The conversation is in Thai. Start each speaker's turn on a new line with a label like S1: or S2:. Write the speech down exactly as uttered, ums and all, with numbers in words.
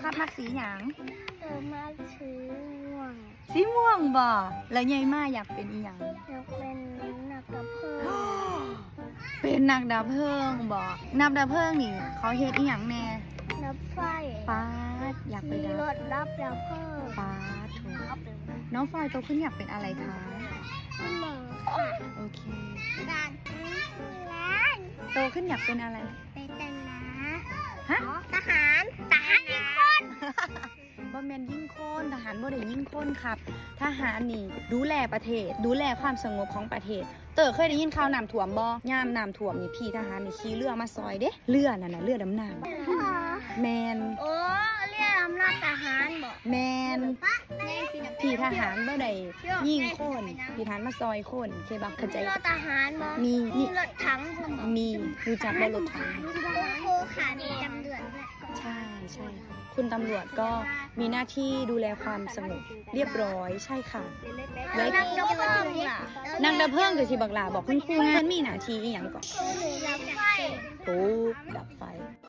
S1: ครับมักสีหยัง
S2: เติมมาสีม่วง
S1: สีม่วงบ่แล้วใหญ่มากอยากเป็นอีหยัง
S2: อยากเป็นนักดับเพลิง
S1: เป็นนักดับเพลิงบ่นักดับเพลิงนี่เขาเฮ็ดอีหยังแน่
S2: ดับไฟ
S1: ป๊าดอยากไป
S2: มี
S1: ดั
S2: ร
S1: บ
S2: ถดับดับเพลิง
S1: ป๊าดโถน้องฟอยโตขึ้นอยากเป็นอะไรคะ
S2: คุณหมอค่ะ
S1: โอเค
S2: ร้านร้าน
S1: โตขึ้นอยากเป็นอะไร
S2: เป็นตำนา
S1: ฮะ
S2: ทหารทหารยิงคน
S1: บ่แม่นยิ่งคนทหารบ่ได้ยิ่งคนครับ ทหารนี่ดูแลประเทศ ดูแลความสงบของประเทศ เต๋อเคยได้ยินข่าวน้ำท่วมบ่ยามน้ำท่วมนี่พี่ทหารนี่ขี่เรือมาซอยเด้เรือนั่นน่ะเรือดำน้ำแมน
S2: โอ้เรียกอำนาจทหารบอก
S1: แมนพี่ทหารบ่ได้ยิ่งคนพี่ทหารมาซอยคนเคบักเข้าใจ
S2: รถทหารบอก
S1: มี
S2: มีรถถังคุณบอก
S1: มีรู้จักบ่รถถัง
S2: โอ้ค่ะมีตำรวจด้วย
S1: ใช่ใช่ค่ะคุณตำรวจก็มีหน้าที่ดูแลความสงบเรียบร้อยใช่ค่ะ
S2: แล้
S1: แล้ว ว
S2: นักดับเพลิงล่ะ
S1: นางดับเพลิงคือที่บักหลาบอกคุณครูงานมีหน้าที่อีหยังก่อน
S2: คือดับไฟ
S1: ปุ๊บดับไฟ